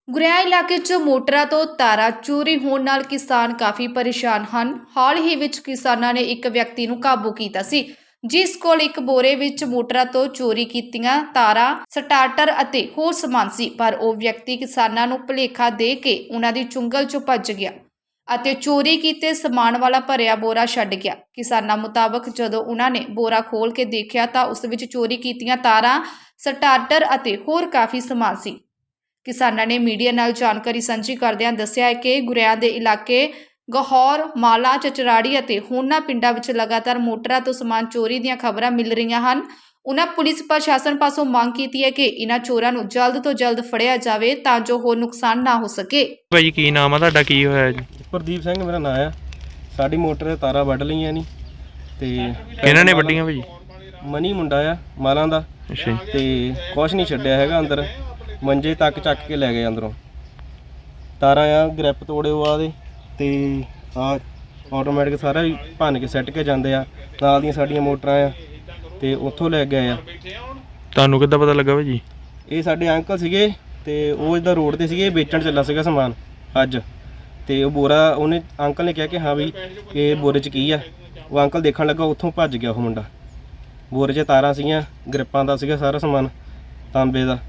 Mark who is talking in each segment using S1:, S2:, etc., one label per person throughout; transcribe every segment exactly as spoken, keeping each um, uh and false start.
S1: ਗੁਰੇਆ ਇਲਾਕੇ 'ਚ ਮੋਟਰਾਂ ਤੋਂ ਤਾਰਾਂ ਚੋਰੀ ਹੋਣ ਨਾਲ ਕਿਸਾਨ ਕਾਫੀ ਪਰੇਸ਼ਾਨ ਹਨ। ਹਾਲ ਹੀ ਵਿੱਚ ਕਿਸਾਨਾਂ ਨੇ ਇੱਕ ਵਿਅਕਤੀ ਨੂੰ ਕਾਬੂ ਕੀਤਾ ਸੀ, ਜਿਸ ਕੋਲ ਇੱਕ ਬੋਰੇ ਵਿੱਚ ਮੋਟਰਾਂ ਤੋਂ ਚੋਰੀ ਕੀਤੀਆਂ ਤਾਰਾਂ, ਸਟਾਰਟਰ ਅਤੇ ਹੋਰ ਸਮਾਨ ਸੀ। ਪਰ ਉਹ ਵਿਅਕਤੀ ਕਿਸਾਨਾਂ ਨੂੰ ਭੁਲੇਖਾ ਦੇ ਕੇ ਉਹਨਾਂ ਦੀ ਚੁੰਗਲ 'ਚੋਂ ਭੱਜ ਗਿਆ ਅਤੇ ਚੋਰੀ ਕੀਤੇ ਸਮਾਨ ਵਾਲਾ ਭਰਿਆ ਬੋਰਾ ਛੱਡ ਗਿਆ। ਕਿਸਾਨਾਂ ਮੁਤਾਬਕ ਜਦੋਂ ਉਹਨਾਂ ਨੇ ਬੋਰਾ ਖੋਲ੍ਹ ਕੇ ਦੇਖਿਆ ਤਾਂ ਉਸ ਵਿੱਚ ਚੋਰੀ ਕੀਤੀਆਂ ਤਾਰਾਂ, ਸਟਾਰਟਰ ਅਤੇ ਹੋਰ ਕਾਫੀ ਸਮਾਨ ਸੀ। ਕਿਸਾਨਾਂ ਨੇ ਮੀਡੀਆ ਨਾਲ ਜਾਣਕਾਰੀ ਸਾਂਝੀ ਕਰਦਿਆਂ ਦੱਸਿਆ ਕਿ ਗੁਰੇਆ ਦੇ ਇਲਾਕੇ ਗਹੌਰ, ਮਾਲਾ, ਚਚਰਾੜੀ ਅਤੇ ਹੋਰਨਾਂ ਪਿੰਡਾਂ ਵਿੱਚ ਲਗਾਤਾਰ ਮੋਟਰਾਂ ਤੋਂ ਸਮਾਨ ਚੋਰੀ ਦੀਆਂ ਖਬਰਾਂ ਮਿਲ ਰਹੀਆਂ ਹਨ। ਉਹਨਾਂ ਪੁਲਿਸ ਪ੍ਰਸ਼ਾਸਨ ਪਾਸੋਂ ਮੰਗ ਕੀਤੀ ਹੈ ਕਿ ਇਹਨਾਂ ਚੋਰਾਂ ਨੂੰ ਜਲਦ ਤੋਂ ਜਲਦ ਫੜਿਆ ਜਾਵੇ ਤਾਂ ਜੋ ਹੋਰ ਨੁਕਸਾਨ ਨਾ ਹੋ ਸਕੇ।
S2: ਭਾਈ ਕੀ ਨਾਮ ਆ ਤੁਹਾਡਾ, ਕੀ ਹੋਇਆ ਜੀ?
S3: ਪ੍ਰਦੀਪ ਸਿੰਘ ਮੇਰਾ ਨਾਮ ਆ। ਸਾਡੀ ਮੋਟਰ ਦੇ ਤਾਰਾਂ ਵੱਢ ਲਈਆਂ ਨਹੀਂ ਤੇ
S2: ਕਿਹਨਾਂ ਨੇ ਵੱਡੀਆਂ ਭਾਜੀ?
S3: ਮਨੀ ਮੁੰਡਾ ਆ ਮਾਲਾਂ ਦਾ।
S2: ਅੱਛਾ
S3: ਤੇ ਕੁਛ ਨਹੀਂ ਛੱਡਿਆ ਹੈਗਾ ਅੰਦਰ, ਮੰਜੇ ਤੱਕ ਚੱਕ ਕੇ ਲੈ ਗਏ ਅੰਦਰੋਂ। ਤਾਰਾਂ ਆ ਗ੍ਰਿਪ ਤੋੜੇ ਆ ਦੇ ਤੇ ਆ ਆਟੋਮੈਟਿਕ ਸਾਰਾ ਹੀ ਭੰਨ ਕੇ ਸੱਟ ਕੇ ਜਾਂਦੇ ਆ। ਨਾਲ ਦੀਆਂ ਸਾਡੀਆਂ ਮੋਟਰਾਂ ਆ ਤੇ ਉੱਥੋਂ ਲੈ ਗਏ ਆ।
S2: ਤੁਹਾਨੂੰ ਕਿੱਦਾਂ ਪਤਾ ਲੱਗਾ ਭਾਜੀ?
S3: ਇਹ ਸਾਡੇ ਅੰਕਲ ਸੀਗੇ ਤੇ ਉਹ ਇੱਦਾਂ ਰੋਡ ਤੇ ਸੀਗੇ, ਵੇਚਣ ਚੱਲਾ ਸੀਗਾ ਸਮਾਨ ਅੱਜ। ਤੇ ਉਹ ਬੋਰਾ ਉਹਨੇ ਅੰਕਲ ਨੇ ਕਿਹਾ ਕਿ ਹਾਂ ਵੀ ਇਹ ਬੋਰੇ 'ਚ ਕੀ ਆ। ਉਹ ਅੰਕਲ ਦੇਖਣ ਲੱਗਾ, ਉੱਥੋਂ ਭੱਜ ਗਿਆ ਉਹ ਮੁੰਡਾ। ਬੋਰੇ 'ਚ ਤਾਰਾਂ ਸੀਗੀਆਂ, ਗ੍ਰਿਪਾਂ ਦਾ ਸੀਗਾ ਸਾਰਾ ਸਮਾਨ, ਤਾਂਬੇ ਦਾ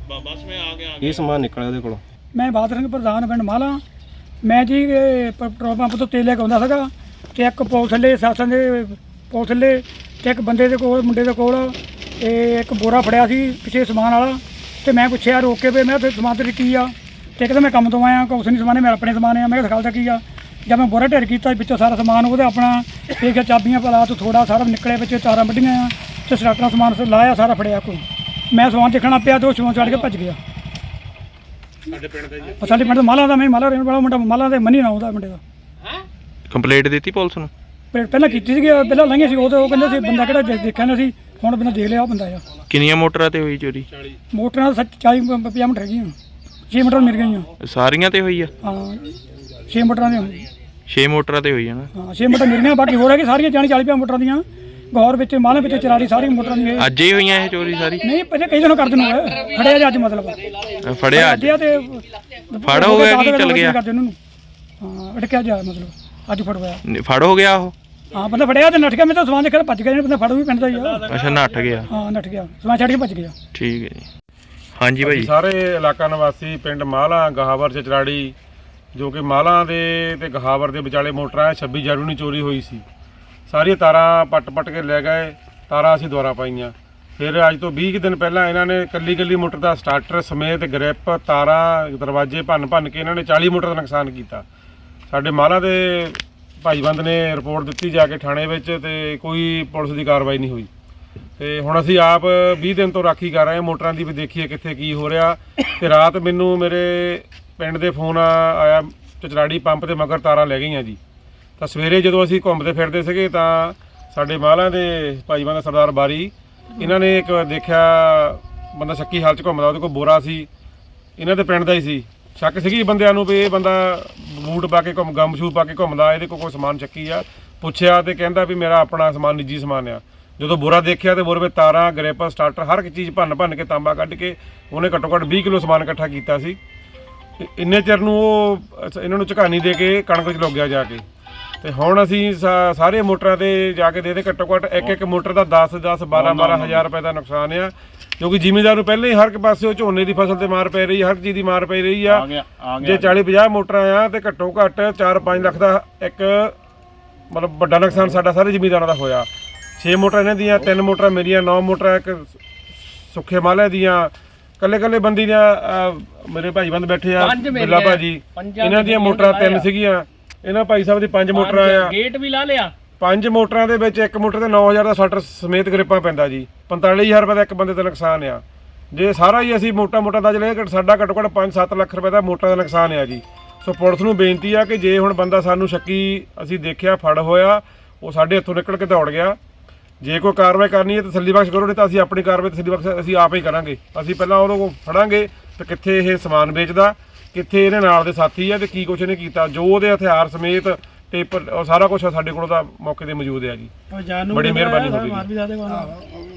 S3: ਇਹ ਸਮਾਨ ਨਿਕਲਿਆ ਉਹਦੇ ਕੋਲੋਂ।
S4: ਮੈਂ ਬਾਦਲ ਸਿੰਘ ਪ੍ਰਧਾਨ ਪਿੰਡ ਮਾਲਾ। ਮੈਂ ਜੀ ਪੈਟਰੋਲ ਪੰਪ ਤੋਂ ਤੇਲ ਲੈ ਕੇ ਆਉਂਦਾ ਸੀਗਾ ਤੇ ਇੱਕ ਪੁਲਿਸ ਥੱਲੇ ਸ਼ਾਸਨ ਦੇ ਪੁਲਿਸ ਥੱਲੇ ਤੇ ਇੱਕ ਬੰਦੇ ਦੇ ਕੋਲ ਮੁੰਡੇ ਦੇ ਕੋਲ ਇਹ ਇੱਕ ਬੋਰਾ ਫੜਿਆ ਸੀ ਪਿੱਛੇ ਸਮਾਨ ਵਾਲਾ। ਤੇ ਮੈਂ ਪੁੱਛਿਆ ਰੋਕ ਕੇ ਵੀ ਮੈਂ ਉੱਥੇ ਸਮਾਨ ਤੇਰੇ ਕੀ ਆ? ਤੇ ਕਹਿੰਦਾ ਮੈਂ ਕੰਮ ਤੋਂ ਆਇਆ, ਕੁਛ ਨਹੀਂ ਸਮਾਨ, ਮੈਂ ਆਪਣੇ ਸਮਾਨ ਆ। ਮੈਂ ਕਿਹਾ ਦਿਖਾਉਂਦਾ ਕੀ ਆ? ਜਦ ਮੈਂ ਬੋਰਾ ਢੇਰ ਕੀਤਾ ਵਿੱਚੋਂ ਸਾਰਾ ਸਮਾਨ ਉਹਦੇ ਆਪਣਾ ਇਹ ਚਾਬੀਆਂ ਪਲਾ ਤੋਂ ਥੋੜਾ ਸਾਰਾ ਨਿਕਲੇ, ਵਿੱਚ ਤਾਰਾਂ ਵੱਢੀਆਂ ਆ ਤੇ ਸਟਾਰਟਰ ਸਮਾਨ ਲਾਇਆ, ਸਾਰਾ ਫੜਿਆ ਕੋਈ। ਮੈਂ ਸਮਾਨ ਦੇਖਣਾ ਪਿਆ ਤੇ ਉਹ ਸਮਾਨ ਚੜ੍ਹ ਕੇ ਭੱਜ ਗਿਆ। ਸਾਡੇ ਪਿੰਡ ਦਾ ਸਾਡੇ ਪਿੰਡ ਦਾ ਮਾਲਾ ਦਾ, ਮੈਂ ਮਾਲਾ ਰਹਿਣ ਵਾਲਾ ਮੁੰਡਾ, ਮਾਲਾ ਦੇ ਮਨੀ ਨਾ ਉਹਦਾ ਮੁੰਡੇ ਦਾ।
S2: ਕੰਪਲੇਂਟ ਦਿੱਤੀ ਪੁਲਿਸ ਨੂੰ?
S4: ਪਹਿਲਾਂ ਕੀਤੀ ਸੀਗੀ, ਪਹਿਲਾਂ ਲੰਘੇ ਸੀ ਉਹ ਤੇ ਉਹ ਕਹਿੰਦੇ ਸੀ ਬੰਦਾ ਕਿਹੜਾ ਦੇਖਿਆ ਨਾ ਸੀ, ਹੁਣ ਬੰਦਾ ਦੇਖ ਲਿਆ ਉਹ ਬੰਦਾ ਆ।
S2: ਕਿੰਨੀਆਂ ਮੋਟਰਾਂ ਤੇ ਹੋਈ ਚੋਰੀ?
S4: ਮੋਟਰਾਂ ਸੱਚ ਚਾਲੀ ਪੰਜਾਹ ਮੀਟਰ ਹੈਗੀਆਂ, ਛੇ ਮੀਟਰ ਮਿਲ ਗਈਆਂ।
S2: ਸਾਰੀਆਂ ਤੇ ਹੋਈ ਆ?
S4: ਹਾਂ ਛੇ ਮੀਟਰਾਂ ਦੀਆਂ,
S2: ਛੇ ਮੋਟਰਾਂ ਤੇ ਹੋਈ ਆ ਨਾ?
S4: ਹਾਂ ਛੇ ਮੀਟਰ ਮਿਲ ਗਈਆਂ, ਬਾਕੀ ਹੋਰ ਹੈਗੀ ਸਾਰੀਆਂ ਚਾਲੀ ਚਾਲੀ ਪੰਜਾਹ ਮੀਟਰਾਂ ਦੀਆਂ। ਗੌਰ ਵਿੱਚ ਮਾਲੇ ਵਿੱਚ ਚਰਾੜੀ ਸਾਰੀ ਮੋਟਰਾਂ ਦੀ।
S2: ਅੱਜ ਹੀ ਹੋਈਆਂ ਇਹ ਚੋਰੀ ਸਾਰੀ?
S4: ਨਹੀਂ ਪਹਿਲੇ ਕਈ ਦਿਨੋਂ ਕਰਦੇ ਨੂੰ ਫੜਿਆ ਜੀ ਅੱਜ, ਮਤਲਬ
S2: ਫੜਿਆ ਅੱਜ
S4: ਤੇ
S2: ਫੜ ਹੋ ਗਿਆ ਕੀ ਚੱਲ ਗਿਆ?
S4: ਹਾਂ ਅਟਕਿਆ ਜਾ ਮਤਲਬ ਅੱਜ ਫੜ ਹੋਇਆ।
S2: ਫੜ ਹੋ ਗਿਆ ਉਹ?
S4: ਹਾਂ ਬੰਦਾ ਫੜਿਆ ਤੇ ਨੱਠ ਗਿਆ। ਮੈਂ ਤਾਂ ਸਮਾਨ ਦੇਖਿਆ ਭੱਜ ਗਿਆ, ਬੰਦਾ ਫੜ ਵੀ ਪਿੰਡ ਦਾ ਹੀ ਆ।
S2: ਅੱਛਾ ਨੱਠ ਗਿਆ?
S4: ਹਾਂ ਨੱਠ ਗਿਆ, ਸਮਾਨ ਛੱਡ ਕੇ ਭੱਜ ਗਿਆ।
S2: ਠੀਕ ਹੈ ਜੀ। ਹਾਂਜੀ ਭਾਈ।
S5: ਸਾਰੇ ਇਲਾਕਾ ਨਿਵਾਸੀ ਪਿੰਡ ਮਾਲਾ, ਗਹਾਵਰ, ਚਚਰਾੜੀ, ਜੋ ਕਿ ਮਾਲਾ ਦੇ ਤੇ ਗਹਾਵਰ ਦੇ ਵਿਚਾਲੇ ਮੋਟਰਾਂ ਛੱਬੀ ਜਨਵਰੀ ਨੂੰ ਚੋਰੀ ਹੋਈ ਸੀ। ਸਾਰੀਆਂ ਤਾਰਾਂ ਪੱਟ ਪੱਟ ਕੇ ਲੈ ਗਏ। ਤਾਰਾਂ ਅਸੀਂ ਦੁਬਾਰਾ ਪਾਈਆਂ। ਫਿਰ ਅੱਜ ਤੋਂ ਵੀਹ ਕੁ ਦਿਨ ਪਹਿਲਾਂ ਇਹਨਾਂ ਨੇ ਕੱਲੀ ਕੱਲੀ ਮੋਟਰ ਦਾ ਸਟਾਰਟਰ ਸਮੇਤ ਗ੍ਰਿਪ, ਤਾਰਾਂ, ਦਰਵਾਜ਼ੇ ਭੰਨ ਭੰਨ ਕੇ ਇਹਨਾਂ ਨੇ ਚਾਲੀ ਮੋਟਰ ਦਾ ਨੁਕਸਾਨ ਕੀਤਾ। ਸਾਡੇ ਮਾਲਾ ਦੇ ਭਾਈਬੰਦ ਨੇ ਰਿਪੋਰਟ ਦਿੱਤੀ ਜਾ ਕੇ ਥਾਣੇ ਵਿੱਚ, ਤੇ ਕੋਈ ਪੁਲਿਸ ਦੀ ਕਾਰਵਾਈ ਨਹੀਂ ਹੋਈ। ਤੇ ਹੁਣ ਅਸੀਂ ਆਪ ਵੀਹ ਦਿਨ ਤੋਂ ਰਾਖੀ ਕਰ ਰਹੇ ਹਾਂ ਮੋਟਰਾਂ ਦੀ, ਵੀ ਦੇਖੀਏ ਕਿੱਥੇ ਕੀ ਹੋ ਰਿਹਾ। ਤੇ ਰਾਤ ਮੈਨੂੰ ਮੇਰੇ ਪਿੰਡ ਦੇ ਫੋਨ ਆਇਆ, ਚਚਰਾੜੀ ਪੰਪ ਦੇ ਮਗਰ ਤਾਰਾਂ ਲੈ ਗਈਆਂ ਜੀ। ਤਾਂ ਸਵੇਰੇ ਜਦੋਂ ਅਸੀਂ ਘੁੰਮਦੇ ਫਿਰਦੇ ਸੀਗੇ ਤਾਂ ਸਾਡੇ ਮਾਲਾਂ ਦੇ ਭਾਈਬੰਦ ਸਰਦਾਰ ਬਾਰੀ, ਇਹਨਾਂ ਨੇ ਇੱਕ ਦੇਖਿਆ ਬੰਦਾ ਸ਼ੱਕੀ ਹਾਲਤ 'ਚ ਘੁੰਮਦਾ, ਉਹਦੇ ਕੋਲ ਬੋਰਾ ਸੀ, ਇਹਨਾਂ ਦੇ ਪਿੰਡ ਦਾ ਹੀ ਸੀ। ਸ਼ੱਕ ਸੀਗੀ ਬੰਦਿਆਂ ਨੂੰ ਵੀ ਇਹ ਬੰਦਾ ਬੂਟ ਪਾ ਕੇ ਘੁੰਮ ਗਮ ਸ਼ੂ ਪਾ ਕੇ ਘੁੰਮਦਾ, ਇਹਦੇ ਕੋਲ ਕੋਈ ਸਮਾਨ ਚੱਕੀ ਆ। ਪੁੱਛਿਆ ਤੇ ਕਹਿੰਦਾ ਵੀ ਮੇਰਾ ਆਪਣਾ ਸਮਾਨ, ਨਿੱਜੀ ਸਮਾਨ ਆ। ਜਦੋਂ ਬੋਰਾ ਦੇਖਿਆ ਤੇ ਬੋਰੇ ਵਿੱਚ ਤਾਰਾਂ, ਗ੍ਰਿਪ, ਸਟਾਰਟਰ ਹਰ ਇੱਕ ਚੀਜ਼ ਭੰਨ ਭੰਨ ਕੇ ਤਾਂਬਾ ਕੱਢ ਕੇ ਉਹਨੇ ਘੱਟੋ ਘੱਟ ਵੀਹ ਕਿਲੋ ਸਮਾਨ ਇਕੱਠਾ ਕੀਤਾ ਸੀ। ਇੰਨੇ ਚਿਰ ਨੂੰ ਉਹ ਇਹਨਾਂ ਨੂੰ ਝਕਾਨੀ ਦੇ ਕੇ ਕਣਕ 'ਚ ਲੁੱਗ ਗਿਆ ਜਾ ਕੇ। ਤੇ ਹੁਣ ਅਸੀਂ ਸਾਰੇ ਮੋਟਰਾਂ ਤੇ ਜਾ ਕੇ ਦੇ ਦੇ ਘੱਟੋ ਘੱਟ ਇੱਕ ਇੱਕ ਮੋਟਰ ਦਾ ਦਸ ਦਸ ਬਾਰਾਂ ਬਾਰਾਂ ਹਜ਼ਾਰ ਰੁਪਏ ਦਾ ਨੁਕਸਾਨ ਆ। ਕਿਉਂਕਿ ਜ਼ਿਮੀਂਦਾਰ ਨੂੰ ਪਹਿਲਾਂ ਹੀ ਹਰ ਇੱਕ ਪਾਸੇ ਝੋਨੇ ਦੀ ਫਸਲ ਤੇ ਮਾਰ ਪੈ ਰਹੀ, ਹਰ ਚੀਜ਼ ਦੀ ਮਾਰ ਪੈ ਰਹੀ ਆ। ਜੇ ਚਾਲੀ ਪੰਜਾਹ ਮੋਟਰਾਂ ਆ ਤੇ ਘੱਟੋ ਘੱਟ ਚਾਰ ਪੰਜ ਲੱਖ ਦਾ ਇੱਕ ਮਤਲਬ ਵੱਡਾ ਨੁਕਸਾਨ ਸਾਡਾ ਸਾਰੇ ਜ਼ਿਮੀਂਦਾਰਾਂ ਦਾ ਹੋਇਆ। ਛੇ ਮੋਟਰਾਂ ਇਹਨਾਂ ਦੀਆਂ, ਤਿੰਨ ਮੋਟਰਾਂ ਮੇਰੀਆਂ, ਨੌ ਮੋਟਰਾਂ ਇੱਕ ਸੁੱਖੇ ਮਾਲੇ ਦੀਆਂ। ਕੱਲੇ ਕੱਲੇ ਬੰਦੀ ਦੀਆਂ ਮੇਰੇ ਭਾਈਬੰਦ ਬੈਠੇ ਆ, ਬਿੱਲਾ ਭਾਜੀ, ਇਹਨਾਂ ਦੀਆਂ ਮੋਟਰਾਂ ਤਿੰਨ ਸੀਗੀਆਂ। ਇਹਨਾਂ ਭਾਈ ਸਾਹਿਬ ਦੀ ਪੰਜ ਮੋਟਰਾਂ ਆ। ਗੇਟ ਵੀ ਲਾ ਲਿਆ। ਪੰਜ ਮੋਟਰਾਂ ਦੇ ਵਿੱਚ ਇੱਕ ਮੋਟਰ ਤੇ ਨੌ ਹਜ਼ਾਰ ਦਾ ਸਟਾਰਟਰ ਸਮੇਤ ਗ੍ਰਿਪਾਂ ਪੈਂਦਾ ਜੀ। ਪੰਤਾਲੀ ਹਜ਼ਾਰ ਰੁਪਏ ਦਾ ਇੱਕ ਬੰਦੇ ਦਾ ਨੁਕਸਾਨ ਆ। ਜੇ ਸਾਰਾ ਹੀ ਅਸੀਂ ਮੋਟਾ ਮੋਟਾ ਦਾ ਚਲੇ ਸਾਡਾ ਘੱਟੋ ਘੱਟ ਪੰਜ ਸੱਤ ਲੱਖ ਰੁਪਏ ਦਾ ਮੋਟਰ ਦਾ ਨੁਕਸਾਨ ਆ ਜੀ। ਸੋ ਪੁਲਿਸ ਨੂੰ ਬੇਨਤੀ ਆ ਕਿ ਜੇ ਹੁਣ ਬੰਦਾ ਸਾਨੂੰ ਸ਼ੱਕੀ ਅਸੀਂ ਦੇਖਿਆ ਫੜ ਹੋਇਆ, ਉਹ ਸਾਡੇ ਹੱਥੋਂ ਨਿਕਲ ਕੇ ਦੌੜ ਗਿਆ, ਜੇ ਕੋਈ ਕਾਰਵਾਈ ਕਰਨੀ ਹੈ ਤਸੱਲੀ ਬਖਸ਼ ਕਰੋ, ਨਹੀਂ ਤਾਂ ਅਸੀਂ ਆਪਣੀ ਕਾਰਵਾਈ ਤਸੱਲੀ ਬਖਸ਼ ਅਸੀਂ ਆਪ ਹੀ ਕਰਾਂਗੇ। ਅਸੀਂ ਪਹਿਲਾਂ ਉਹਨੂੰ ਕੋਲ ਫੜਾਂਗੇ ਤੇ ਕਿੱਥੇ ਇਹ ਸਮਾਨ ਵੇਚਦਾ, ਕਿੱਥੇ ਇਹਦੇ ਨਾਲ ਦੇ ਸਾਥੀ ਆ ਤੇ ਕੀ ਕੁਛ ਇਹਨੇ ਕੀਤਾ। ਜੋ ਉਹਦੇ ਹਥਿਆਰ ਸਮੇਤ ਟੇਪਰ ਸਾਰਾ ਕੁਛ ਸਾਡੇ ਕੋਲ ਤਾਂ ਮੌਕੇ ਤੇ ਮੌਜੂਦ ਹੈ ਜੀ। ਬੜੀ ਮਿਹਰਬਾਨੀ ਹੋਵੇਗੀ।